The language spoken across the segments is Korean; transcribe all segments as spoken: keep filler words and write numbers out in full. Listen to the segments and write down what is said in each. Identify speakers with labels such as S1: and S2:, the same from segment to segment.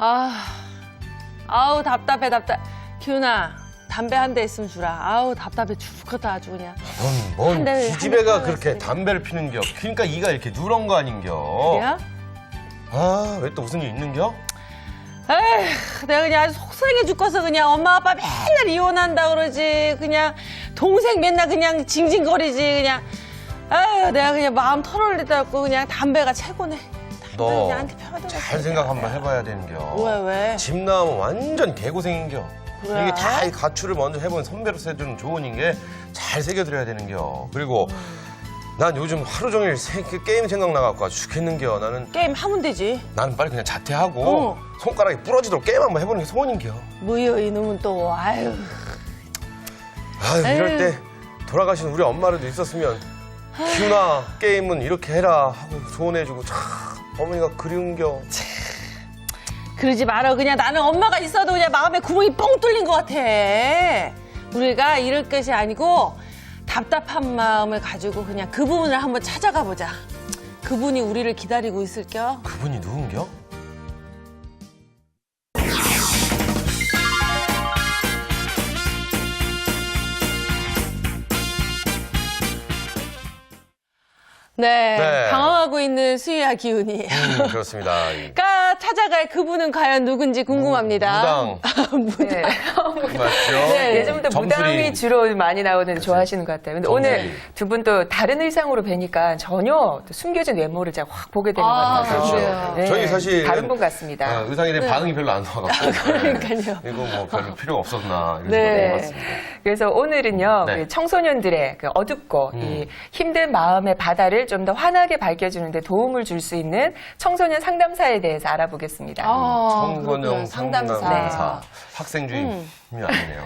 S1: 아, 아우 답답해 답답. 기훈아, 담배 한 대 있으면 주라. 아우 답답해 죽겠다 아주 그냥.
S2: 뭔,
S1: 한
S2: 뭔
S1: 대,
S2: 기집애가
S1: 한 대
S2: 그렇게
S1: 끊어냈으니까.
S2: 담배를 피는겨. 그러니까 이가 이렇게 누런 거 아닌겨.
S1: 그래야?
S2: 아, 왜 또 무슨 일 있는겨?
S1: 에휴, 내가 그냥 아주 속상해 죽겠어. 그냥 엄마 아빠 맨날 이혼한다 그러지. 그냥 동생 맨날 그냥 징징거리지. 그냥 아유, 내가 그냥 마음 털어올리다고 그냥 담배가 최고네. 담배
S2: 너
S1: 그냥 한테 펴도
S2: 잘 생각 한번 해봐야 되는겨.
S1: 왜 왜?
S2: 집 나오면 완전 개고생인겨.
S1: 그래?
S2: 이게 다 이 가출을 먼저 해본 선배로서 해주는 조언인 게 잘 새겨드려야 되는겨. 그리고 난 요즘 하루 종일 세- 그 게임 생각나갖고 아주 죽겠는겨. 나는
S1: 게임 하면 되지.
S2: 나는 빨리 그냥 자퇴하고
S1: 어.
S2: 손가락이 부러지도록 게임 한번 해보는 게 소원인겨.
S1: 뭐여 이놈은 또 아유.
S2: 아유, 이럴
S1: 에휴.
S2: 때 돌아가신 우리 엄마라도 있었으면 기훈아 게임은 이렇게 해라 하고 조언해주고 참 어머니가 그리운겨.
S1: 그러지 마라. 그냥 나는 엄마가 있어도 그냥 마음에 구멍이 뻥 뚫린 것 같아. 우리가 이럴 것이 아니고 답답한 마음을 가지고 그냥 그 부분을 한번 찾아가 보자. 그분이 우리를 기다리고 있을겨.
S2: 그분이 누군겨?
S1: 네,
S2: 네.
S1: 당황하고 있는 수희와 기훈이.
S2: 음, 그렇습니다. 이
S1: 가 찾아갈 그분은 과연 누군지 궁금합니다.
S2: 무당.
S1: 무당.
S3: 네.
S2: 맞죠?
S1: 네.
S3: 예전부터
S2: 점술이.
S3: 무당이 주로 많이 나오는 좋아하시는 것 같아요. 근데
S2: 점술이.
S3: 오늘 두 분 또 다른 의상으로 뵈니까 전혀 또 숨겨진 외모를 제가 확 보게 되는
S1: 아,
S3: 것 같아요.
S1: 그래요?
S3: 네.
S2: 저희 사실
S3: 다른 분 같습니다.
S2: 어, 의상에 대한 반응이 별로 안 나와갖고
S1: 그러니까요.
S2: 네. 이거 뭐 별로 필요가 없었나 이런
S1: 네.
S2: 생각이 들었습니다.
S3: 그래서 오늘은요,
S2: 네.
S3: 그 청소년들의 그 어둡고
S2: 음.
S3: 이 힘든 마음의 바다를 좀 더 환하게 밝혀주는데 도움을 줄 수 있는 청소년 상담사에 대해서 알아보겠습니다.
S1: 아,
S2: 청소년
S1: 그렇구나. 상담사.
S2: 상담사 학생주의
S1: 음.
S2: 힘이 아니네요.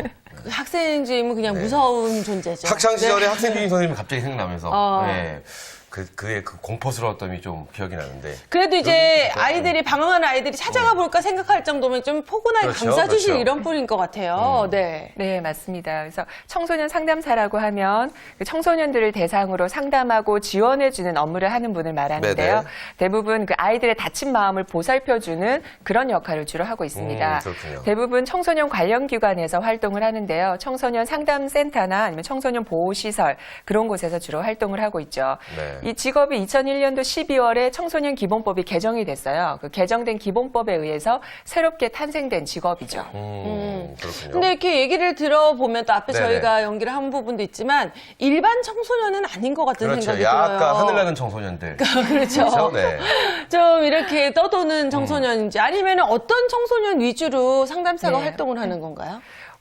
S1: 학생주임은 그냥
S2: 네.
S1: 무서운 존재죠.
S2: 학창 시절에
S1: 네.
S2: 학생주임 선생님이 갑자기 생각나면서
S1: 어.
S2: 네. 그, 그의 그 공포스러웠던 좀 기억이 나는데
S1: 그래도 이제
S2: 그렇죠.
S1: 아이들이 방황하는 아이들이 찾아가 볼까 생각할 정도면 좀 포근하게
S2: 그렇죠,
S1: 감싸주실
S2: 그렇죠.
S1: 이런 분인 것 같아요.
S2: 음.
S1: 네.
S3: 네, 맞습니다. 그래서 청소년 상담사라고 하면 그 청소년들을 대상으로 상담하고 지원해주는 업무를 하는 분을 말하는데요.
S2: 네네.
S3: 대부분 그 아이들의 다친 마음을 보살펴주는 그런 역할을 주로 하고 있습니다.
S2: 음, 그렇군요.
S3: 대부분 청소년 관련 기관에서 활동을 하는데요. 청소년 상담센터나 아니면 청소년 보호시설 그런 곳에서 주로 활동을 하고 있죠.
S2: 네.
S3: 이 직업이 이천일 년도 십이월에 청소년 기본법이 개정이 됐어요. 그 개정된 기본법에 의해서 새롭게 탄생된 직업이죠.
S2: 음, 그렇군요.
S1: 근데 이렇게 얘기를 들어보면 또 앞에
S2: 네네.
S1: 저희가 연기를 한 부분도 있지만 일반 청소년은 아닌 것 같은
S2: 그렇죠.
S1: 생각이
S2: 약간
S1: 들어요.
S2: 하늘나는 청소년들.
S1: 그렇죠.
S2: 그렇죠? 네.
S1: 좀 이렇게 떠도는 청소년인지 아니면 어떤 청소년 위주로 상담사가
S3: 네.
S1: 활동을 하는 건가요?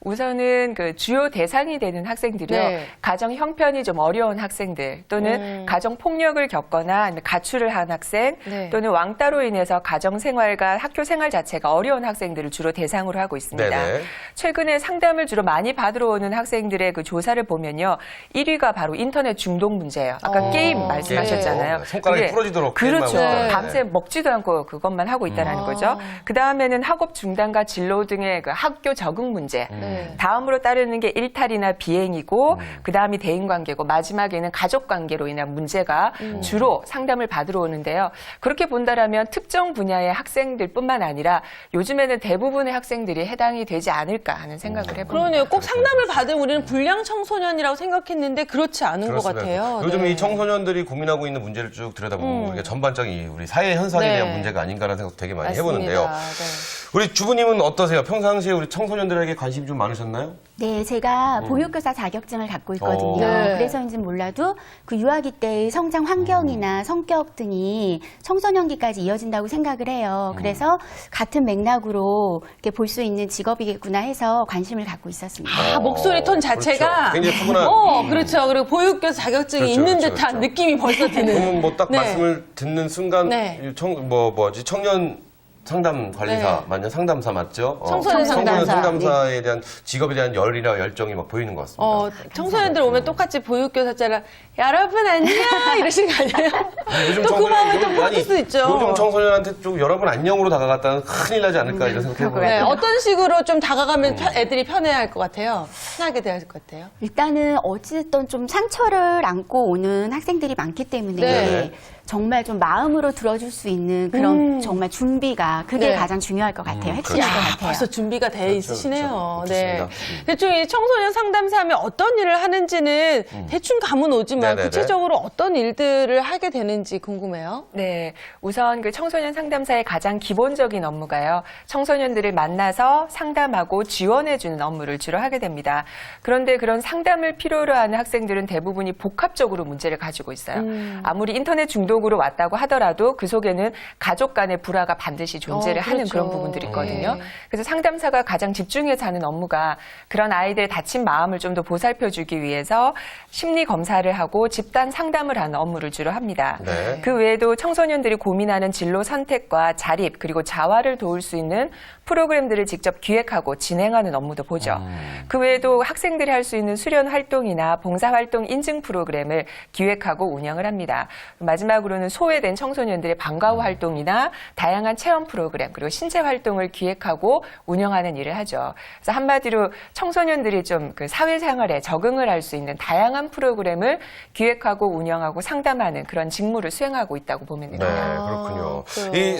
S3: 우선은 그 주요 대상이 되는 학생들이요.
S1: 네.
S3: 가정 형편이 좀 어려운 학생들 또는
S1: 음.
S3: 가정 폭력을 겪거나 아니면 가출을 한 학생
S1: 네.
S3: 또는 왕따로 인해서 가정 생활과 학교 생활 자체가 어려운 학생들을 주로 대상으로 하고 있습니다.
S2: 네네.
S3: 최근에 상담을 주로 많이 받으러 오는 학생들의 그 조사를 보면요. 일 위가 바로 인터넷 중독 문제예요. 아까
S1: 어.
S3: 게임 말씀하셨잖아요.
S2: 네. 손가락이
S3: 그게
S2: 부러지도록 게임만
S3: 그렇죠.
S2: 하고 있다는
S3: 밤새
S2: 네.
S3: 먹지도 않고 그것만 하고 있다는
S1: 음.
S3: 거죠. 그 다음에는 학업 중단과 진로 등의 그 학교 적응 문제.
S1: 네.
S3: 다음으로 따르는 게 일탈이나 비행이고
S2: 음.
S3: 그 다음이 대인관계고 마지막에는 가족관계로 인한 문제가
S1: 음.
S3: 주로 상담을 받으러 오는데요. 그렇게 본다라면 특정 분야의 학생들뿐만 아니라 요즘에는 대부분의 학생들이 해당이 되지 않을까 하는 생각을 해봅니다.
S1: 그러네요. 꼭 상담을 받은 우리는 불량 청소년이라고 생각했는데 그렇지 않은 것
S2: 그렇습니다.
S1: 같아요.
S2: 요즘
S1: 네.
S2: 이 청소년들이 고민하고 있는 문제를 쭉 들여다보면
S1: 음.
S2: 우리가 전반적인 우리 사회 현상에
S1: 네.
S2: 대한 문제가 아닌가라는 생각도 되게 많이
S1: 맞습니다.
S2: 해보는데요.
S1: 네.
S2: 우리 주부님은 어떠세요? 평상시에 우리 청소년들에게 관심이 좀 많으셨나요?
S4: 네, 제가
S2: 음.
S4: 보육교사 자격증을 갖고 있거든요.
S2: 어.
S1: 네.
S4: 그래서인지 몰라도 그 유아기 때의 성장 환경이나
S2: 음.
S4: 성격 등이 청소년기까지 이어진다고 생각을 해요.
S2: 음.
S4: 그래서 같은 맥락으로 이렇게 볼 수 있는 직업이겠구나 해서 관심을 갖고 있었습니다.
S1: 아, 목소리 톤 자체가
S2: 그렇죠. 굉장히 푸근한.
S1: 어, 그렇죠. 그리고 보육교사 자격증이
S2: 그렇죠,
S1: 있는
S2: 그렇죠,
S1: 듯한
S2: 그렇죠.
S1: 느낌이 벌써 드는.
S2: 그러면 뭐 딱
S1: 네.
S2: 말씀을 듣는 순간
S1: 네.
S2: 이 청, 뭐 뭐지 청년 상담 관리사
S1: 네.
S2: 맞냐 상담사 맞죠? 어,
S1: 청소년 상담사.
S2: 상담사에 대한 직업에 대한 열이나 열정이 막 보이는 것 같습니다.
S1: 어, 청소년들 오면 똑같이 보육교사처럼 여러분 안녕 이러시는 거 아니에요?
S2: 요즘
S1: 또 그
S2: 청소년-
S1: 마음을 또
S2: 요즘-
S1: 바뀔
S2: 아니,
S1: 수 있죠.
S2: 요즘 청소년한테 좀 여러분 안녕으로 다가갔다는 큰일 나지 않을까 이런 생각 해보고.
S1: 네, 어떤 식으로 좀 다가가면
S2: 음.
S1: 편- 애들이 편해할 것 같아요? 편하게 대할 것 같아요?
S4: 일단은 어찌됐든 좀 상처를 안고 오는 학생들이 많기 때문에
S1: 네.
S4: 정말 좀 마음으로 들어줄 수 있는 그런
S1: 음.
S4: 정말 준비가 그게
S1: 네.
S4: 가장 중요할 것 같아요.
S2: 음,
S4: 핵심일 것
S2: 그렇죠.
S4: 같아요.
S1: 벌써 준비가 돼 있으시네요.
S2: 그렇죠.
S1: 네.
S2: 좋습니다. 음.
S1: 대충 이 청소년 상담사하면 어떤 일을 하는지는 대충 감은 오지만
S2: 네네네.
S1: 구체적으로 어떤 일들을 하게 되는지 궁금해요.
S3: 네, 우선 그 청소년 상담사의 가장 기본적인 업무가요. 청소년들을 만나서 상담하고 지원해주는 업무를 주로 하게 됩니다. 그런데 그런 상담을 필요로 하는 학생들은 대부분이 복합적으로 문제를 가지고 있어요.
S1: 음.
S3: 아무리 인터넷 중독으로 왔다고 하더라도 그 속에는 가족 간의 불화가 반드시 존재를
S1: 어,
S3: 하는
S1: 그렇죠.
S3: 그런 부분들이 있거든요.
S1: 네.
S3: 그래서 상담사가 가장 집중해서 하는 업무가 그런 아이들의 다친 마음을 좀 더 보살펴주기 위해서 심리 검사를 하고 집단 상담을 하는 업무를 주로 합니다.
S2: 네.
S3: 그 외에도 청소년들이 고민하는 진로 선택과 자립 그리고 자활을 도울 수 있는 프로그램들을 직접 기획하고 진행하는 업무도 보죠. 그 외에도 학생들이 할 수 있는 수련 활동이나 봉사활동 인증 프로그램을 기획하고 운영을 합니다. 마지막으로는 소외된 청소년들의 방과후 활동이나 다양한 체험 프로그램 그리고 신체 활동을 기획하고 운영하는 일을 하죠. 그래서 한마디로 청소년들이 좀 그 사회생활에 적응을 할 수 있는 다양한 프로그램을 기획하고 운영하고 상담하는 그런 직무를 수행하고 있다고 보면
S2: 네,
S3: 됩니다.
S2: 그렇군요.
S1: 그래요.
S2: 이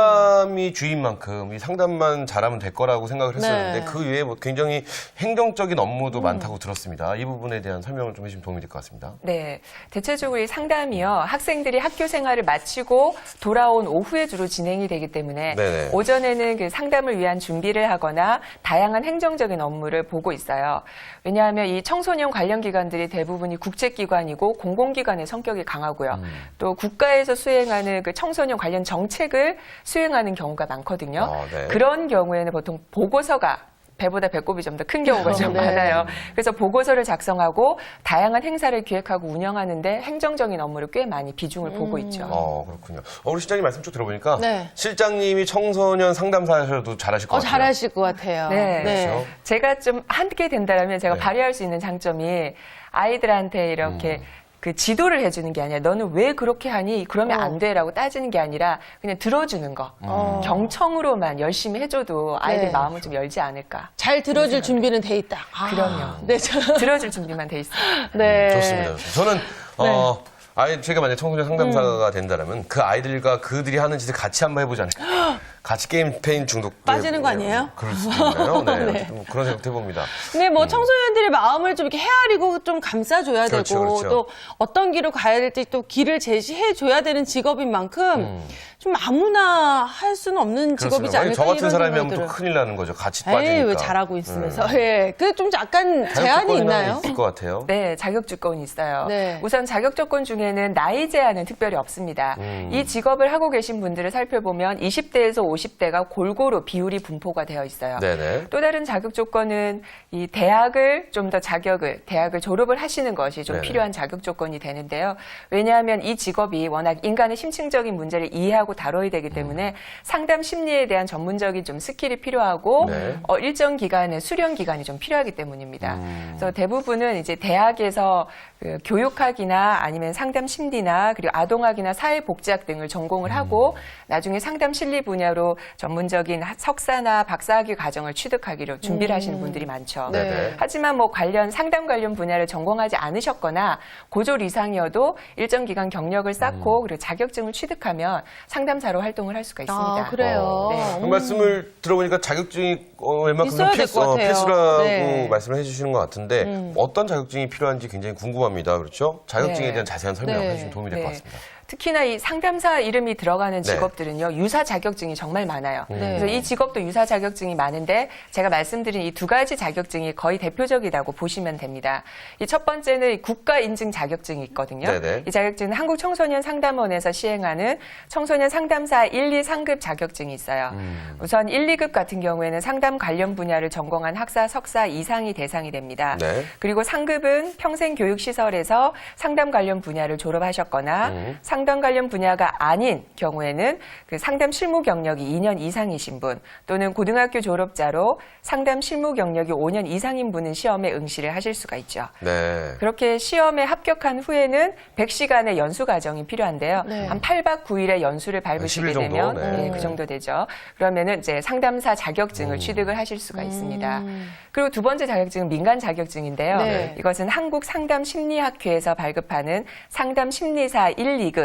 S2: 상담이 주인 만큼 이 상담만 잘하면 될 거라고 생각을 했었는데
S1: 네.
S2: 그 외에 뭐 굉장히 행정적인 업무도 많다고 들었습니다. 이 부분에 대한 설명을 좀 해주시면 도움이 될 것 같습니다.
S3: 네, 대체적으로 이 상담이요 학생들이 학교 생활을 마치고 돌아온 오후에 주로 진행이 되기 때문에
S2: 네네.
S3: 오전에는 그 상담을 위한 준비를 하거나 다양한 행정적인 업무를 보고 있어요. 왜냐하면 이 청소년 관련 기관들이 대부분이 국제기관이고 공공기관의 성격이 강하고요.
S2: 음.
S3: 또 국가에서 수행하는 그 청소년 관련 정책을 수행하는 경우가 많거든요.
S2: 아, 네.
S3: 그런 경우에는 보통 보고서가 배보다 배꼽이 좀 더 큰 경우가 좀
S1: 네.
S3: 많아요. 그래서 보고서를 작성하고 다양한 행사를 기획하고 운영하는데 행정적인 업무를 꽤 많이 비중을 보고 있죠.
S2: 어, 그렇군요. 어, 우리 실장님 말씀 쭉 들어보니까
S1: 네.
S2: 실장님이 청소년 상담사셔도 잘하실 것
S1: 어,
S2: 같아요.
S1: 잘하실 것 같아요.
S3: 네.
S2: 그렇죠.
S3: 제가 좀 하게 된다면 제가
S2: 네.
S3: 발휘할 수 있는 장점이 아이들한테 이렇게
S2: 음.
S3: 그 지도를 해주는 게 아니라 너는 왜 그렇게 하니? 그러면
S1: 어.
S3: 안 돼라고 따지는 게 아니라 그냥 들어주는 거.
S1: 어.
S3: 경청으로만 열심히 해줘도 아이들
S1: 네.
S3: 마음을 좀 열지 않을까.
S1: 잘 들어줄 준비는 돼 있다. 아,
S3: 그럼요.
S1: 네, 저,
S3: 들어줄 준비만 돼 있어요.
S1: 네.
S2: 좋습니다. 저는 어, 아이 제가 만약 청소년 상담사가 된다면 그 아이들과 그들이 하는 짓을 같이 한번 해보자는. 같이 게임 페인 중독
S1: 빠지는 거 아니에요?
S2: 그럴 수도 있나요? 네,
S1: 네.
S2: 어쨌든 뭐 그런 생각도 해봅니다.
S1: 근데 뭐 청소년들의 마음을 좀 이렇게 헤아리고 좀 감싸줘야
S2: 그렇죠,
S1: 되고
S2: 그렇죠.
S1: 또 어떤 길로 가야 될지 또 길을 제시해줘야 되는 직업인 만큼
S2: 음.
S1: 좀 아무나 할 수는 없는 직업이지
S2: 그렇습니다.
S1: 않을까
S2: 저 같은
S1: 이런
S2: 사람이 하면
S1: 생각들을.
S2: 또 큰일 나는 거죠. 같이
S1: 에이,
S2: 빠지니까.
S1: 왜 잘하고 있으면서.
S2: 음.
S1: 예. 그 좀 약간 제한이
S2: 자격조건이나
S1: 있나요?
S2: 있을 것 같아요.
S3: 네, 자격 조건이 있어요.
S1: 네.
S3: 우선 자격 조건 중에는 나이 제한은 특별히 없습니다.
S2: 음.
S3: 이 직업을 하고 계신 분들을 살펴보면 이십 대에서 오십 대가 골고루 비율이 분포가 되어 있어요.
S2: 네네.
S3: 또 다른 자격 조건은 이 대학을 좀 더 자격을 대학을 졸업을 하시는 것이 좀
S2: 네네.
S3: 필요한 자격 조건이 되는데요. 왜냐하면 이 직업이 워낙 인간의 심층적인 문제를 이해하고 다뤄야 되기 때문에 상담 심리에 대한 전문적인 좀 스킬이 필요하고
S2: 네.
S3: 어, 일정 기간의 수련 기간이 좀 필요하기 때문입니다.
S2: 음.
S3: 그래서 대부분은 이제 대학에서 그 교육학이나 아니면 상담 심리나 그리고 아동학이나 사회복지학 등을 전공을 하고 나중에 상담 심리 분야로 전문적인 하- 석사나 박사학위 과정을 취득하기로 준비를 하시는 분들이 많죠.
S1: 네.
S2: 네네.
S3: 하지만 뭐 관련 상담 관련 분야를 전공하지 않으셨거나 고졸 이상이어도 일정 기간 경력을 쌓고 그리고 자격증을 취득하면 상담사로 활동을 할 수가 있습니다.
S1: 아, 그래요.
S2: 어,
S3: 네.
S2: 그 말씀을 들어보니까 자격증이 어, 웬만큼
S1: 있어야 될
S2: 필수,
S1: 것
S2: 어,
S1: 같아요.
S2: 필수라고
S1: 네.
S2: 말씀을 해주시는 것 같은데
S1: 음.
S2: 어떤 자격증이 필요한지 굉장히 궁금합니다. 그렇죠? 자격증에
S3: 네.
S2: 대한 자세한 설명을
S1: 네.
S2: 해주시면 도움이 될 것
S3: 네.
S2: 같습니다.
S3: 특히나 이 상담사 이름이 들어가는
S2: 네.
S3: 직업들은요, 유사 자격증이 정말 많아요.
S2: 음.
S1: 네.
S3: 그래서 이 직업도 유사 자격증이 많은데 제가 말씀드린 이 두 가지 자격증이 거의 대표적이라고 보시면 됩니다. 이 첫 번째는 이 국가 인증 자격증이 있거든요.
S2: 네네.
S3: 이 자격증은 한국청소년상담원에서 시행하는 청소년 상담사 일, 이 상급 자격증이 있어요.
S2: 음.
S3: 우선 일, 이 급 같은 경우에는 상담 관련 분야를 전공한 학사, 석사 이상이 대상이 됩니다.
S2: 네.
S3: 그리고 상급은 평생교육시설에서 상담 관련 분야를 졸업하셨거나
S2: 음.
S3: 상담 관련 분야가 아닌 경우에는 그 상담 실무 경력이 이 년 이상이신 분 또는 고등학교 졸업자로 상담 실무 경력이 오 년 이상인 분은 시험에 응시를 하실 수가 있죠.
S2: 네.
S3: 그렇게 시험에 합격한 후에는 백 시간의 연수 과정이 필요한데요.
S1: 네.
S3: 한 팔 박 구 일의 연수를 밟으시게
S2: 십 일 정도?
S3: 되면
S2: 네.
S3: 네, 그 정도 되죠. 그러면은 이제 상담사 자격증을 취득을 하실 수가 있습니다. 그리고 두 번째 자격증은 민간 자격증인데요.
S1: 네.
S3: 이것은 한국상담심리학회에서 발급하는 상담심리사 일, 이 급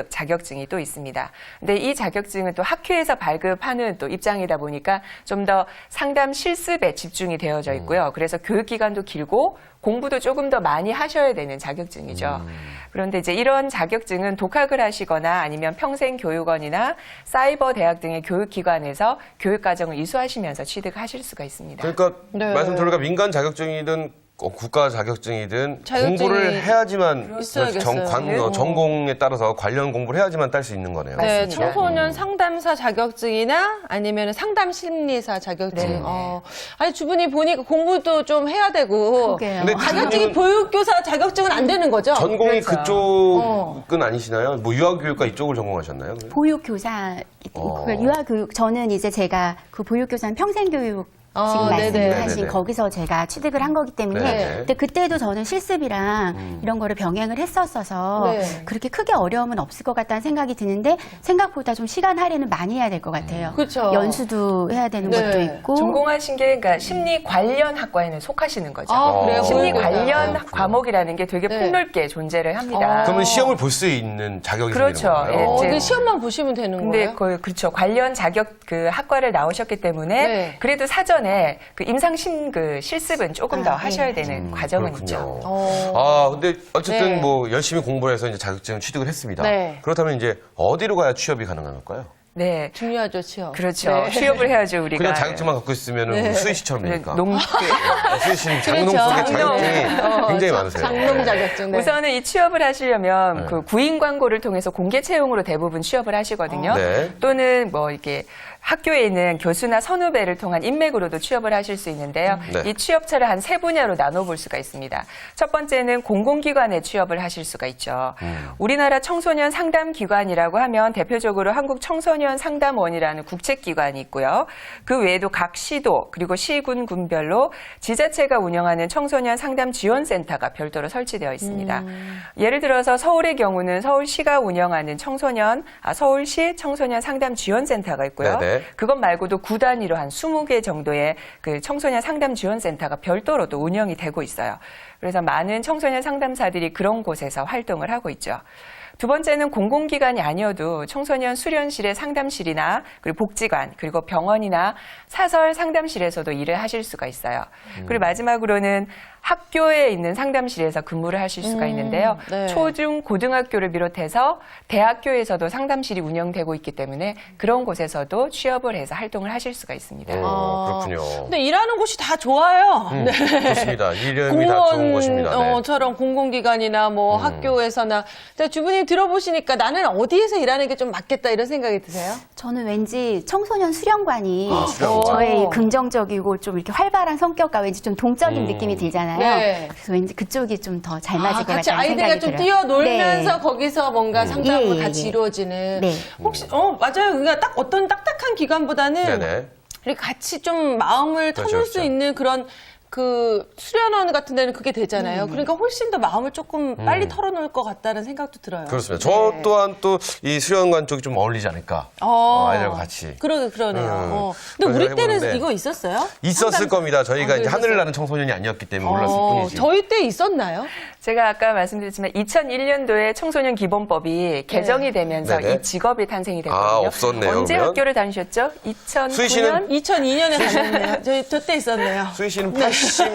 S3: 급 자격증이 또 있습니다. 근데 이 자격증은 또 학회에서 발급하는 또 입장이다 보니까 좀 더 상담 실습에 집중이 되어져 있고요. 그래서 교육 기간도 길고 공부도 조금 더 많이 하셔야 되는 자격증이죠.
S2: 음.
S3: 그런데 이제 이런 자격증은 독학을 하시거나 아니면 평생교육원이나 사이버 대학 등의 교육기관에서 교육과정을 이수하시면서 취득하실 수가 있습니다.
S2: 그러니까
S1: 네.
S2: 말씀 들으니까 민간 자격증이든 어, 국가 자격증이든
S1: 자격증이
S2: 공부를 해야지만
S1: 있어야겠어요.
S2: 정, 관,
S1: 네.
S2: 어, 전공에 따라서 관련 공부를 해야지만 딸 수 있는 거네요.
S1: 네,
S3: 맞습니다.
S1: 청소년 상담사 자격증이나 아니면 상담 심리사 자격증.
S3: 네.
S1: 어. 아니 주부님 보니까 공부도 좀 해야 되고.
S4: 그러게요.
S2: 근데
S1: 자격증이
S2: 주부님은-
S1: 보육교사 자격증은 안 되는 거죠?
S2: 전공이
S3: 그렇죠.
S2: 그쪽은 아니시나요? 뭐 유아교육과 이쪽을 전공하셨나요?
S4: 보육교사,
S2: 어.
S4: 그 유아교육, 저는 이제 제가 그 보육교사는 평생교육
S1: 아,
S4: 지금
S1: 네네.
S4: 말씀하신
S2: 네네.
S4: 거기서 제가 취득을 한 거기 때문에
S2: 네네.
S4: 근데 그때도 저는 실습이랑 이런 거를 병행을 했었어서
S1: 네.
S4: 그렇게 크게 어려움은 없을 것 같다는 생각이 드는데 생각보다 좀 시간 할애는 많이 해야 될 것 같아요.
S1: 그쵸.
S4: 연수도 해야 되는
S1: 네.
S4: 것도 있고
S3: 전공하신 게 그러니까 심리 관련 학과에는 속하시는 거죠.
S1: 아, 그래요?
S3: 심리
S1: 보육교사.
S3: 관련
S2: 그렇군요.
S3: 과목이라는 게 되게
S1: 네.
S3: 폭넓게 존재를 합니다.
S1: 어.
S2: 그러면 시험을 볼 수 있는 자격이
S3: 그렇죠.
S2: 생기는 건가요?
S3: 예,
S1: 어,
S3: 이제-
S1: 근데 시험만 보시면 되는
S3: 근데
S1: 거예요?
S3: 그, 그렇죠. 관련 자격 그 학과를 나오셨기 때문에
S1: 네.
S3: 그래도 사전에 그 임상심 그 실습은 조금 더
S4: 아,
S3: 하셔야
S4: 네.
S3: 되는
S2: 음,
S3: 과정은
S2: 그렇군요.
S3: 있죠.
S1: 어.
S2: 아, 근데 어쨌든
S1: 네.
S2: 뭐 열심히 공부를 해서 이제 자격증을 취득을 했습니다.
S1: 네.
S2: 그렇다면 이제 어디로 가야 취업이 가능한 걸까요?
S3: 네.
S1: 중요하죠, 취업.
S3: 그렇죠.
S1: 네.
S3: 취업을 해야죠, 우리가.
S2: 그냥 자격증만 갖고 있으면
S1: 네.
S2: 수희 씨처럼
S3: 네,
S2: 되니까.
S3: 농, 그-
S2: 네, 수희 씨는 장농
S1: 그렇죠.
S2: 속에
S1: 장농.
S2: 자격증이
S1: 어,
S2: 굉장히
S1: 자-
S2: 많으세요.
S1: 장농
S2: 네.
S1: 자격증. 네.
S3: 우선은 이 취업을 하시려면
S2: 네.
S3: 그 구인 광고를 통해서 공개 채용으로 대부분 취업을 하시거든요.
S2: 네.
S3: 또는 뭐 이렇게 학교에 있는 교수나 선후배를 통한 인맥으로도 취업을 하실 수 있는데요.
S2: 네.
S3: 이 취업처를 한 세 분야로 나눠볼 수가 있습니다. 첫 번째는 공공기관에 취업을 하실 수가 있죠.
S2: 음.
S3: 우리나라 청소년 상담기관이라고 하면 대표적으로 한국청소년상담원이라는 국책기관이 있고요. 그 외에도 각 시도 그리고 시군 군별로 지자체가 운영하는 청소년 상담 지원센터가 별도로 설치되어 있습니다.
S1: 음.
S3: 예를 들어서 서울의 경우는 서울시가 운영하는 청소년 아, 서울시 청소년 상담 지원센터가 있고요.
S2: 네네.
S3: 그것 말고도 구 단위로 한 스무 개 정도의 그 청소년 상담 지원센터가 별도로 또 운영이 되고 있어요. 그래서 많은 청소년 상담사들이 그런 곳에서 활동을 하고 있죠. 두 번째는 공공기관이 아니어도 청소년 수련실의 상담실이나 그리고 복지관 그리고 병원이나 사설 상담실에서도 일을 하실 수가 있어요. 그리고 마지막으로는 학교에 있는 상담실에서 근무를 하실 수가
S1: 음,
S3: 있는데요.
S1: 네.
S3: 초중 고등학교를 비롯해서 대학교에서도 상담실이 운영되고 있기 때문에 그런 곳에서도 취업을 해서 활동을 하실 수가 있습니다.
S2: 오,
S1: 아,
S2: 그렇군요.
S1: 근데 일하는 곳이 다 좋아요.
S2: 음, 좋습니다. 이름이 다 좋은 곳입니다. 네.
S1: 공무원처럼 공공기관이나 뭐
S2: 음.
S1: 학교에서나. 자, 주부님 들어보시니까 나는 어디에서 일하는 게 좀 맞겠다 이런 생각이 드세요?
S4: 저는 왠지 청소년 수련관이
S2: 아, 수련관.
S4: 저의
S1: 어.
S4: 긍정적이고 좀 이렇게 활발한 성격과 왠지 좀 동적인
S2: 음.
S4: 느낌이 들잖아요.
S1: 네.
S4: 그래서 왠지 그쪽이 좀 더 잘 맞을
S1: 아,
S4: 것
S1: 같이
S4: 같다는
S1: 아이들과
S4: 생각이
S1: 좀
S4: 들어요.
S1: 뛰어놀면서
S4: 네.
S1: 거기서 뭔가 상담과
S4: 예, 예,
S1: 같이
S4: 예.
S1: 이루어지는.
S4: 네.
S1: 혹시, 어, 맞아요. 그러니까 딱 어떤 딱딱한 기관보다는
S2: 네네.
S1: 이렇게 같이 좀 마음을
S2: 그렇죠,
S1: 터놓을 수
S2: 그렇죠.
S1: 있는 그런 그 수련원 같은 데는 그게 되잖아요. 그러니까 훨씬 더 마음을 조금 빨리 털어놓을 것 같다는 생각도 들어요.
S2: 음. 그렇습니다. 저
S1: 네.
S2: 또한 또 이 수련관 쪽이 좀 어울리지 않을까.
S1: 어,
S2: 어, 아이들과 같이.
S1: 그러게, 그러네요.
S2: 음,
S1: 어. 근데
S2: 그런
S1: 우리 때는
S2: 생각해보는데
S1: 이거 있었어요?
S2: 있었을
S1: 상담-
S2: 겁니다. 저희가
S1: 아,
S2: 이제
S1: 있었어요?
S2: 하늘을 나는 청소년이 아니었기 때문에 몰랐을
S1: 어,
S2: 뿐이지.
S1: 저희 때 있었나요?
S3: 제가 아까 말씀드렸지만 이천일 년도에 청소년 기본법이 개정이 되면서
S2: 네네.
S3: 이 직업이 탄생이 됐거든요.
S2: 아, 없었네요,
S3: 언제
S2: 그러면?
S3: 학교를 다니셨죠? 이천구 년?
S2: 수희 씨는?
S1: 이천이 년에 다녔네요. 저희 저 때 있었네요.
S2: 수희 씨는 팔십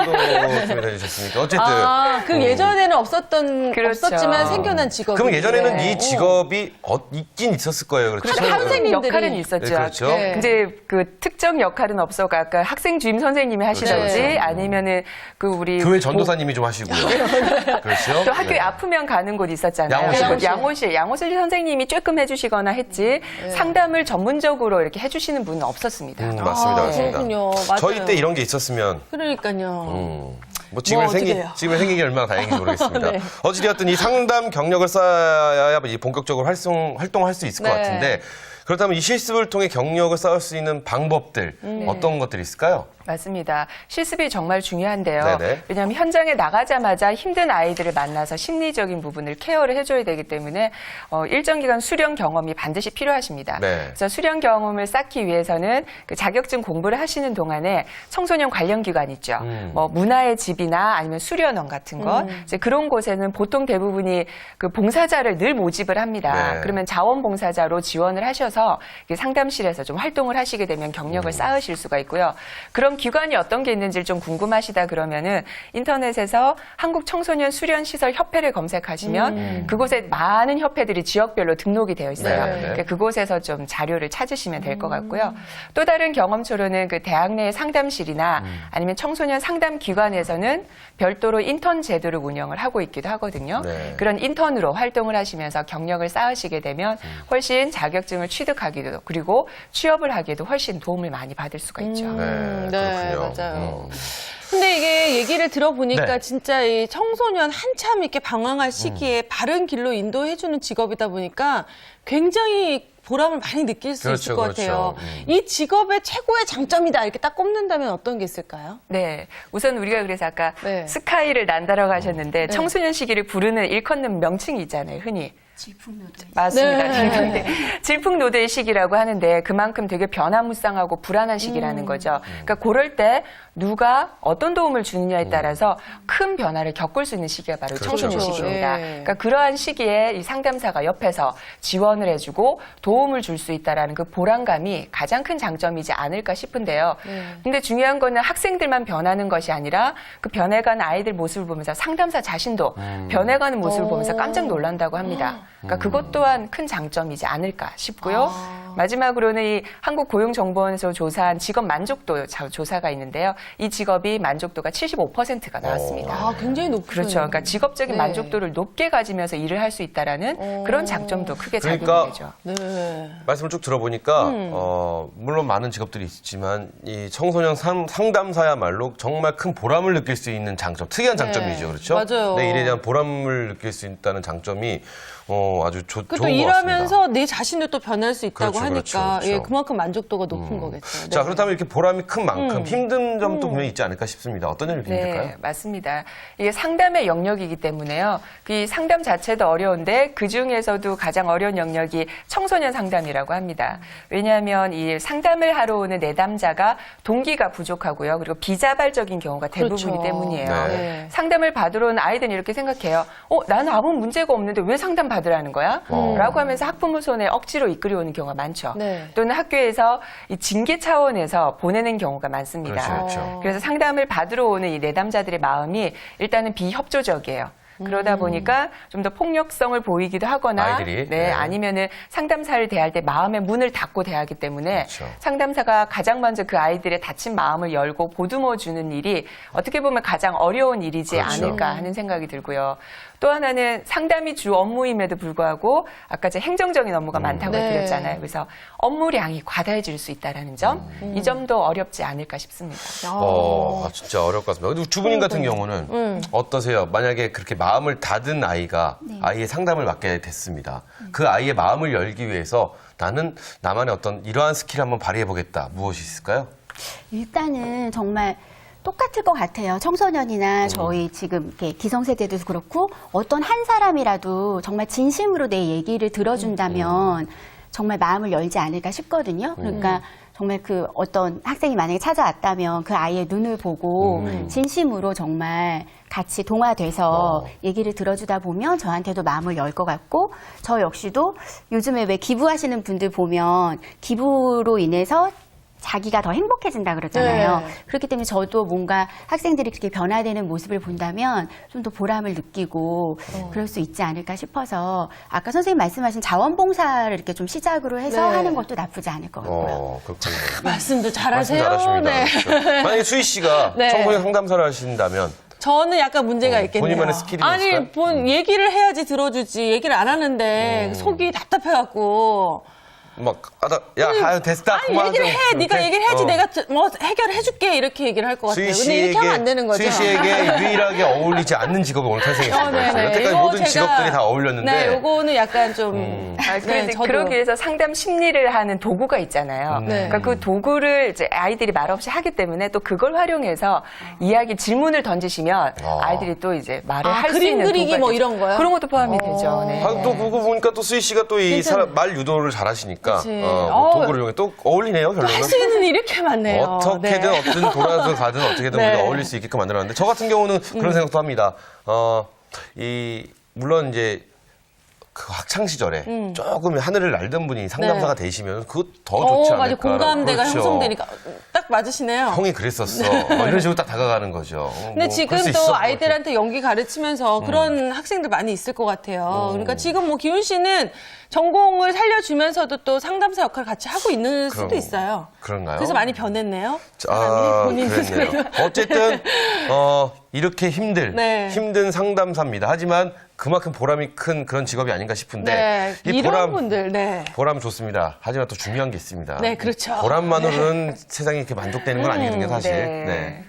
S2: 년도쯤에 다니셨으니까 어쨌든.
S1: 아, 그
S2: 음.
S1: 예전에는 없었던
S3: 그렇죠.
S1: 없었지만 생겨난 직업.
S2: 그럼 예전에는 이 직업이 어, 있긴 있었을 거예요. 그렇죠?
S1: 그렇죠. 선생님들이-
S3: 역할은 있었죠.
S2: 네, 그렇죠.
S1: 네.
S3: 이제 그 특정 역할은 없어가 아까 학생 주임 선생님이 하시던지
S1: 네.
S3: 아니면은 그 우리
S2: 교회 전도사님이 좀 하시고요. 그렇죠?
S3: 또 학교에
S2: 네.
S3: 아프면 가는 곳 있었잖아요.
S2: 양호실.
S3: 그리고 양호실, 양호실 선생님이 조금 해주시거나 했지 상담을 전문적으로 이렇게 해주시는 분은 없었습니다.
S2: 음, 맞습니다.
S1: 아,
S2: 맞습니다.
S1: 그렇군요. 맞아요.
S2: 저희 때 이런 게 있었으면
S1: 그러니까요.
S2: 음, 뭐 지금
S1: 뭐
S2: 생기
S1: 어떻게 해요?
S2: 지금 생긴 게 얼마나 다행인지 모르겠습니다.
S1: 네.
S2: 어찌되었든 이 상담 경력을 쌓아야 이 본격적으로 활동 활동할 수 있을 것
S1: 네.
S2: 같은데 그렇다면 이 실습을 통해 경력을 쌓을 수 있는 방법들 어떤 것들이 있을까요?
S3: 맞습니다. 실습이 정말 중요한데요.
S2: 네네.
S3: 왜냐하면 현장에 나가자마자 힘든 아이들을 만나서 심리적인 부분을 케어를 해줘야 되기 때문에 어, 일정 기간 수련 경험이 반드시 필요하십니다.
S2: 네.
S3: 그래서 수련 경험을 쌓기 위해서는 그 자격증 공부를 하시는 동안에 청소년 관련 기관 있죠.
S2: 음.
S3: 뭐 문화의 집이나 아니면 수련원 같은 것 이제 그런 곳에는 보통 대부분이 그 봉사자를 늘 모집을 합니다.
S2: 네.
S3: 그러면 자원봉사자로 지원을 하셔서 이렇게 상담실에서 좀 활동을 하시게 되면 경력을
S2: 음.
S3: 쌓으실 수가 있고요. 그럼 기관이 어떤 게 있는지 좀 궁금하시다 그러면은 인터넷에서 한국 청소년 수련 시설 협회를 검색하시면
S2: 음.
S3: 그곳에 많은 협회들이 지역별로 등록이 되어 있어요.
S2: 네.
S3: 그러니까 그곳에서 좀 자료를 찾으시면 될 것 같고요. 또 다른 경험초로는 그 대학 내 상담실이나
S2: 음.
S3: 아니면 청소년 상담 기관에서는 별도로 인턴 제도를 운영을 하고 있기도 하거든요.
S2: 네.
S3: 그런 인턴으로 활동을 하시면서 경력을 쌓으시게 되면 훨씬 자격증을 취득하기도 그리고 취업을 하기에도 훨씬 도움을 많이 받을 수가 있죠.
S2: 네,
S1: 네,
S2: 그렇군요.
S1: 맞아요.
S2: 음.
S1: 근데 이게 얘기를 들어보니까
S2: 네.
S1: 진짜 이 청소년 한참 이렇게 방황할 시기에 바른 길로 인도해주는 직업이다 보니까 굉장히 보람을 많이 느낄 수
S2: 그렇죠,
S1: 있을 것 같아요.
S2: 그렇죠. 음.
S1: 이 직업의 최고의 장점이다 이렇게 딱 꼽는다면 어떤 게 있을까요?
S3: 네. 우선 우리가 그래서 아까
S1: 네.
S3: 스카이를 난다라고 하셨는데 청소년 시기를 부르는 일컫는 명칭이 있잖아요. 흔히.
S4: 질풍노도에
S3: 맞습니다.
S1: 네.
S3: 질풍노도. 질풍노도의 시기라고 하는데 그만큼 되게 변화무쌍하고 불안한 시기라는 거죠. 그러니까 그럴 때 누가 어떤 도움을 주느냐에 따라서 큰 변화를 겪을 수 있는 시기가 바로
S2: 그렇죠.
S3: 청소년
S1: 그렇죠.
S3: 시기입니다.
S1: 예.
S3: 그러니까 그러한 시기에 이 상담사가 옆에서 지원을 해주고 도움을 줄 수 있다라는 그 보람감이 가장 큰 장점이지 않을까 싶은데요.
S1: 네.
S3: 근데 중요한 거는 학생들만 변하는 것이 아니라 그 변해가는 아이들 모습을 보면서 상담사 자신도 변해가는 모습을
S1: 오.
S3: 보면서 깜짝 놀란다고 합니다. 그러니까 그것 또한 큰 장점이지 않을까 싶고요.
S1: 아.
S3: 마지막으로는 이 한국고용정보원에서 조사한 직업 만족도 자- 조사가 있는데요. 이 직업이 만족도가 칠십오 퍼센트가 나왔습니다.
S1: 아, 굉장히 높죠.
S3: 그렇죠. 그러니까 직업적인
S1: 네.
S3: 만족도를 높게 가지면서 일을 할 수 있다라는
S1: 오.
S3: 그런 장점도 크게
S2: 그러니까
S3: 작용이 되죠.
S1: 네.
S2: 말씀을 쭉 들어보니까
S1: 음.
S2: 어, 물론 많은 직업들이 있지만 이 청소년 상, 상담사야말로 정말 큰 보람을 느낄 수 있는 장점, 특이한
S1: 네.
S2: 장점이죠, 그렇죠?
S1: 맞아요.
S2: 내 일에 대한 보람을 느낄 수 있다는 장점이 어, 아주 조,
S1: 그
S2: 좋은
S1: 또
S2: 것
S1: 일하면서
S2: 같습니다.
S1: 내 자신도 또 변할 수 있다고
S2: 그렇죠,
S1: 하니까
S2: 그렇죠, 그렇죠.
S1: 예, 그만큼 만족도가 높은 거겠죠. 네.
S2: 자, 그렇다면 이렇게 보람이 큰 만큼
S1: 음.
S2: 힘든 점도 분명히 있지 않을까 싶습니다. 어떤 점이 힘들까요?
S3: 네, 맞습니다. 이게 상담의 영역이기 때문에요. 이 상담 자체도 어려운데 그 중에서도 가장 어려운 영역이 청소년 상담이라고 합니다. 왜냐하면 이 상담을 하러 오는 내담자가 동기가 부족하고요. 그리고 비자발적인 경우가 대부분이기
S1: 그렇죠.
S3: 때문이에요.
S2: 네.
S3: 상담을 받으러 온 아이들은 이렇게 생각해요. 어, 나는 아무 문제가 없는데 왜 상담 받으라는 거야?
S2: 어.
S3: 라고 하면서 학부모 손에 억지로 이끌어 오는 경우가 많죠.
S1: 네.
S3: 또는 학교에서 이 징계 차원에서 보내는 경우가 많습니다.
S2: 그렇죠, 그렇죠.
S3: 그래서 상담을 받으러 오는 이 내담자들의 마음이 일단은 비협조적이에요. 그러다 보니까 좀 더 폭력성을 보이기도 하거나,
S2: 아이들이?
S3: 네,
S2: 네.
S3: 아니면은 상담사를 대할 때 마음의 문을 닫고 대하기 때문에
S2: 그렇죠.
S3: 상담사가 가장 먼저 그 아이들의 닫힌 마음을 열고 보듬어 주는 일이 어떻게 보면 가장 어려운 일이지
S2: 그렇죠.
S3: 않을까 하는 생각이 들고요. 또 하나는 상담이 주 업무임에도 불구하고 아까 제가 행정적인 업무가 많다고
S1: 네.
S3: 드렸잖아요. 그래서 업무량이 과다해질 수 있다는 점, 이 점도 어렵지 않을까 싶습니다.
S2: 어, 아, 진짜 어려울 것 같습니다. 근데 주부님 같은 경우는
S1: 음.
S2: 어떠세요? 만약에 그렇게 마음을 닫은 아이가
S4: 네.
S2: 아이의 상담을 맡게 됐습니다. 그 아이의 마음을 열기 위해서 나는 나만의 어떤 이러한 스킬을 한번 발휘해보겠다. 무엇이 있을까요?
S4: 일단은 정말 똑같을 것 같아요. 청소년이나 저희 지금 이렇게 기성세대도 그렇고 어떤 한 사람이라도 정말 진심으로 내 얘기를 들어준다면 정말 마음을 열지 않을까 싶거든요. 그러니까 정말 그 어떤 학생이 만약에 찾아왔다면 그 아이의 눈을 보고 진심으로 정말 같이 동화돼서
S2: 어.
S4: 얘기를 들어주다 보면 저한테도 마음을 열 것 같고 저 역시도 요즘에 왜 기부하시는 분들 보면 기부로 인해서 자기가 더 행복해진다 그러잖아요.
S1: 네.
S4: 그렇기 때문에 저도 뭔가 학생들이 그렇게 변화되는 모습을 본다면 좀 더 보람을 느끼고 그럴 수 있지 않을까 싶어서 아까 선생님 말씀하신 자원봉사를 이렇게 좀 시작으로 해서
S1: 네.
S4: 하는 것도 나쁘지 않을 것 같고요.
S2: 어, 그렇군요.
S1: 말씀도
S2: 말씀
S1: 잘하세요.
S2: 잘하십니다.
S1: 네.
S2: 그렇죠. 만약에 수희 씨가
S1: 네.
S2: 청소년 상담사를 하신다면
S1: 저는 약간 문제가
S2: 어,
S1: 있겠네요.
S2: 본인만의 스킬이
S1: 아니,
S2: 있을까요?
S1: 본 얘기를 해야지 들어주지. 얘기를 안 하는데
S2: 음.
S1: 속이 답답해갖고.
S2: 막 하다 야 아유, 됐다.
S1: 아니
S2: 그만
S1: 얘기를
S2: 좀
S1: 해. 네가
S2: 이렇게?
S1: 얘기를 해야지
S2: 어.
S1: 내가 뭐 해결해줄게 이렇게 얘기를 할 것 같아요. 근데 이렇게 하면 안 되는 거죠.
S2: 수희 씨에게 유일하게 어울리지 않는 직업이 오늘 탄생했습니다.
S1: 어, 네네.
S2: 여태까지
S1: 이거
S2: 모든
S1: 제가-
S2: 직업들이 다 어울렸는데
S1: 네, 요거는 약간 좀.
S2: 음.
S3: 아,
S1: 네,
S3: 그래서
S1: 저도.
S3: 그러기 위해서 상담 심리를 하는 도구가 있잖아요.
S1: 네.
S3: 그러니까 그 도구를 이제 아이들이 말없이 하기 때문에 또 그걸 활용해서 이야기 질문을 던지시면
S2: 아.
S3: 아이들이 또 이제 말을
S1: 아,
S3: 할 수
S1: 그림
S3: 있는
S1: 그리기
S3: 도구가
S1: 뭐
S3: 되죠.
S1: 이런 거요?
S3: 그런 것도 포함이
S1: 어.
S3: 되죠. 네.
S2: 아, 또 그거 보니까 또 수희 씨가 또 이
S1: 괜찮아요.
S2: 말 유도를 잘하시니까
S1: 그치.
S2: 어, 뭐
S1: 어.
S2: 도구를 이용해 또 어울리네요 결론은.
S1: 할 수 있는 일이 이렇게 많네요.
S2: 어떻게든
S1: 네.
S2: 어떤 돌아서 가든 어떻게든
S1: 네.
S2: 우리가 어울릴 수 있게끔 만들었는데 저 같은 경우는 그런 생각도 합니다. 어, 이 물론 이제 그 학창 시절에 조금 하늘을 날던 분이 상담사가 되시면 그거 더 좋지
S1: 어, 맞아.
S2: 않을까.
S1: 공감대가
S2: 그렇죠.
S1: 형성되니까 딱 맞으시네요.
S2: 형이 그랬었어. 뭐 이런 식으로 딱 다가가는 거죠.
S1: 근데
S2: 뭐
S1: 지금
S2: 그럴 수 있어,
S1: 또
S2: 뭐
S1: 아이들한테 연기 가르치면서 그런 학생들 많이 있을 것 같아요. 그러니까 지금 뭐 기훈 씨는 전공을 살려주면서도 또 상담사 역할을 같이 하고 있는 수도
S2: 그럼,
S1: 있어요.
S2: 그런가요?
S1: 그래서 많이 변했네요.
S2: 아,
S1: 사람이 본인
S2: 그랬네요.
S1: 스스로.
S2: 어쨌든 어, 이렇게 힘들
S1: 네.
S2: 힘든 상담사입니다. 하지만 그만큼 보람이 큰 그런 직업이 아닌가 싶은데
S1: 네,
S2: 이
S1: 이런
S2: 보람
S1: 분들, 네.
S2: 보람 좋습니다. 하지만 또 중요한 게 있습니다.
S1: 네, 그렇죠.
S2: 보람만으로는 세상이 이렇게 만족되는 건 아니거든요, 사실.
S3: 네.
S2: 네.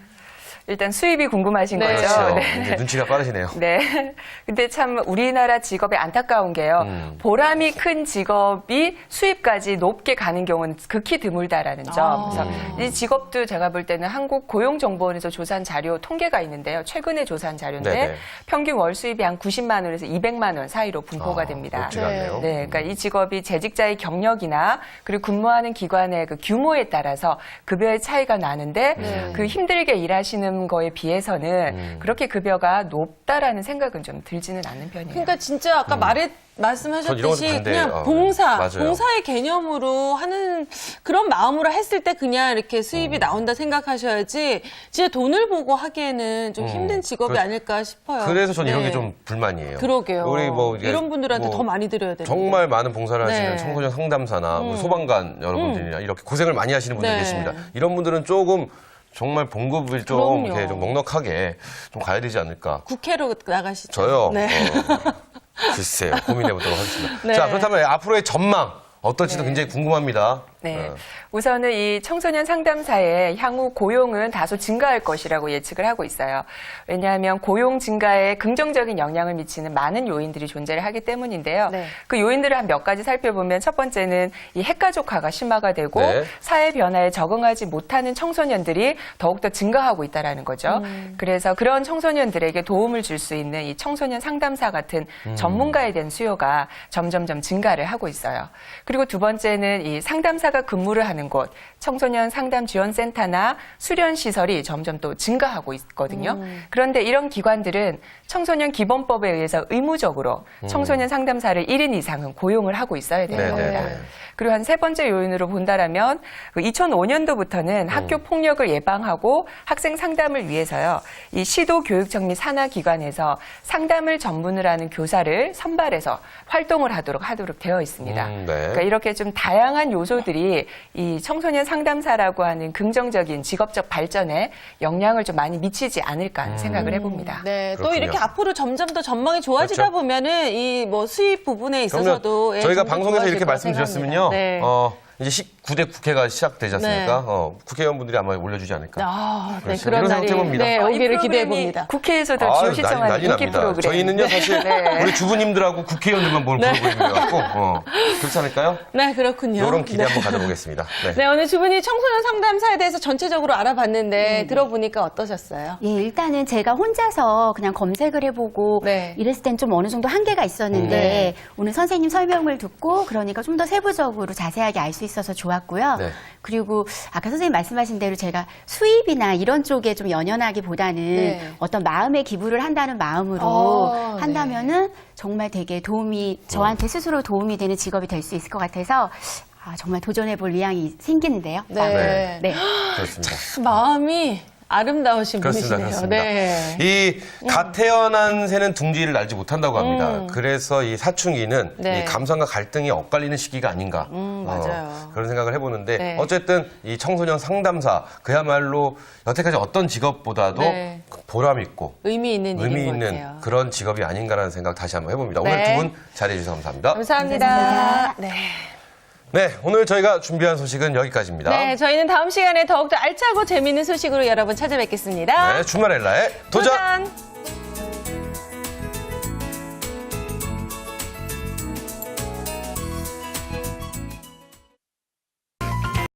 S3: 일단 수입이 궁금하신
S1: 네.
S3: 거죠.
S2: 그렇죠.
S3: 네.
S2: 이제 눈치가 빠르시네요.
S3: 네. 근데 참 우리나라 직업이 안타까운 게요.
S2: 음.
S3: 보람이 큰 직업이 수입까지 높게 가는 경우는 극히 드물다라는 점.
S1: 아.
S3: 그래서 이 직업도 제가 볼 때는 한국 고용정보원에서 조사한 자료 통계가 있는데요. 최근에 조사한 자료인데
S2: 네네.
S3: 평균 월 수입이 한 구십만 원에서 이백만 원 사이로 분포가
S2: 아,
S3: 됩니다.
S2: 높지가 않네요.
S3: 네, 그러니까 이 직업이 재직자의 경력이나 그리고 근무하는 기관의 그 규모에 따라서 급여의 차이가 나는데
S1: 네.
S3: 그 힘들게 일하시는 거에 비해서는
S2: 음.
S3: 그렇게 급여가 높다라는 생각은 좀 들지는 않는 편이에요.
S1: 그러니까 진짜 아까 말해
S2: 전 이런 것도
S1: 말씀하셨듯이
S2: 반대예요.
S1: 그냥
S2: 어,
S1: 봉사,
S2: 맞아요.
S1: 봉사의 개념으로 하는 그런 마음으로 했을 때 그냥 이렇게 수입이 나온다 생각하셔야지 진짜 돈을 보고 하기에는 좀
S2: 음.
S1: 힘든 직업이
S2: 그-
S1: 아닐까 싶어요.
S2: 그래서 전 이런
S1: 네.
S2: 게 좀 불만이에요.
S1: 그러게요.
S2: 우리 뭐 이게
S1: 이런 분들한테
S2: 뭐
S1: 더 많이 드려야 되는데.
S2: 정말 많은 봉사를 하시는
S1: 네.
S2: 청소년 상담사나 우리 소방관 여러분들이나 이렇게 고생을 많이 하시는 분들
S1: 네.
S2: 계십니다. 이런 분들은 조금 정말 봉급을 좀
S1: 그럼요.
S2: 이렇게 좀 넉넉하게 좀 가야 되지 않을까.
S1: 국회로 나가시죠.
S2: 저요.
S1: 네.
S2: 어, 글쎄요. 고민해 보도록 하겠습니다.
S1: 네.
S2: 자, 그렇다면 앞으로의 전망 어떨지도 굉장히 궁금합니다.
S3: 네.
S2: 어.
S3: 우선은 이 청소년 상담사의 향후 고용은 다소 증가할 것이라고 예측을 하고 있어요. 왜냐하면 고용 증가에 긍정적인 영향을 미치는 많은 요인들이 존재를 하기 때문인데요.
S1: 네.
S3: 그 요인들을 한 몇 가지 살펴보면 첫 번째는 이 핵가족화가 심화가 되고
S2: 네.
S3: 사회 변화에 적응하지 못하는 청소년들이 더욱더 증가하고 있다라는 거죠. 그래서 그런 청소년들에게 도움을 줄 수 있는 이 청소년 상담사 같은 전문가에 대한 수요가 점점점 증가를 하고 있어요. 그리고 두 번째는 이 상담사가 근무를 하는 곳, 청소년 상담 지원센터나 수련 시설이 점점 또 증가하고 있거든요. 그런데 이런 기관들은 청소년 기본법에 의해서 의무적으로 청소년 상담사를 일 인 이상은 고용을 하고 있어야 되는
S2: 네네네.
S3: 겁니다. 그리고 한 세 번째 요인으로 본다라면 이천오 년도부터는 학교 폭력을 예방하고 학생 상담을 위해서요. 이 시도 교육청 및 산하 기관에서 상담을 전문으로 하는 교사를 선발해서 활동을 하도록 하도록 되어 있습니다.
S2: 음, 네.
S3: 그러니까 이렇게 좀 다양한 요소들이 이 청소년 상담사라고 하는 긍정적인 직업적 발전에 영향을 좀 많이 미치지 않을까 하는 생각을 해봅니다.
S1: 네, 또
S2: 그렇군요.
S1: 이렇게 앞으로 점점 더 전망이 좋아지다
S2: 그렇죠.
S1: 보면은 이 뭐 수입 부분에 있어서도
S2: 그러면
S1: 예,
S2: 저희가
S1: 좀 더
S2: 방송에서
S1: 좋아질
S2: 이렇게
S1: 거라
S2: 말씀드렸으면요.
S1: 생각합니다. 네.
S2: 어, 이제 십구 대 국회가 시작되지 않습니까?
S1: 네.
S2: 어, 국회의원분들이 아마 올려주지 않을까.
S1: 아, 네,
S2: 그렇죠.
S1: 그런
S2: 이런
S1: 날이
S2: 생각해봅니다.
S1: 네,
S3: 어, 이
S1: 오기를 기대해
S3: 프로그램이
S1: 봅니다.
S3: 국회에서도
S2: 아,
S3: 지금
S2: 난리,
S3: 시청하는
S2: 난리
S3: 인기
S2: 납니다.
S3: 프로그램.
S2: 저희는요, 사실
S3: 네.
S2: 우리 주부님들하고 국회의원들만 보는 프로그램이라 갖고 어, 그렇지 않을까요?
S1: 네, 그렇군요.
S2: 이런 기대
S1: 네.
S2: 한번 가져보겠습니다. 네.
S1: 네, 오늘 두 분이 청소년 상담사에 대해서 전체적으로 알아봤는데 들어보니까 어떠셨어요?
S4: 예, 일단은 제가 혼자서 그냥 검색을 해보고
S1: 네.
S4: 이랬을 땐 좀 어느 정도 한계가 있었는데 오늘 선생님 설명을 듣고 그러니까 좀 더 세부적으로 자세하게 알 수 있어서 좋았고요.
S2: 네.
S4: 그리고 아까 선생님 말씀하신 대로 제가 수입이나 이런 쪽에 좀 연연하기보다는
S1: 네.
S4: 어떤 마음의 기부를 한다는 마음으로
S1: 어,
S4: 한다면은 정말 되게 도움이 저한테 스스로 도움이 되는 직업이 될 수 있을 것 같아서 아, 정말 도전해볼 의향이 생기는데요.
S1: 네.
S4: 네.
S2: 그렇습니다.
S1: 마음이 아름다우신
S2: 그렇습니다.
S1: 분이시네요.
S2: 그렇습니다.
S1: 네.
S2: 이 갓 태어난 새는 둥지를 날지 못한다고 합니다. 그래서 이 사춘기는
S1: 음. 네.
S2: 이 감성과 갈등이 엇갈리는 시기가 아닌가.
S1: 음, 맞아요.
S2: 어, 그런 생각을 해보는데
S1: 네.
S2: 어쨌든 이 청소년 상담사 그야말로 여태까지 어떤 직업보다도
S1: 네.
S2: 보람 있고
S1: 의미 있는
S2: 의미
S1: 일인 것
S2: 있는
S1: 같아요.
S2: 그런 직업이 아닌가라는 생각 다시 한번 해봅니다. 오늘
S1: 네.
S2: 두 분 자리해 주셔서 감사합니다.
S1: 감사합니다.
S4: 감사합니다.
S1: 네.
S2: 네, 오늘 저희가 준비한 소식은 여기까지입니다.
S1: 네, 저희는 다음 시간에 더욱더 알차고 재미있는 소식으로 여러분 찾아뵙겠습니다.
S2: 네, 주말 엘라의 도전!
S1: 도전!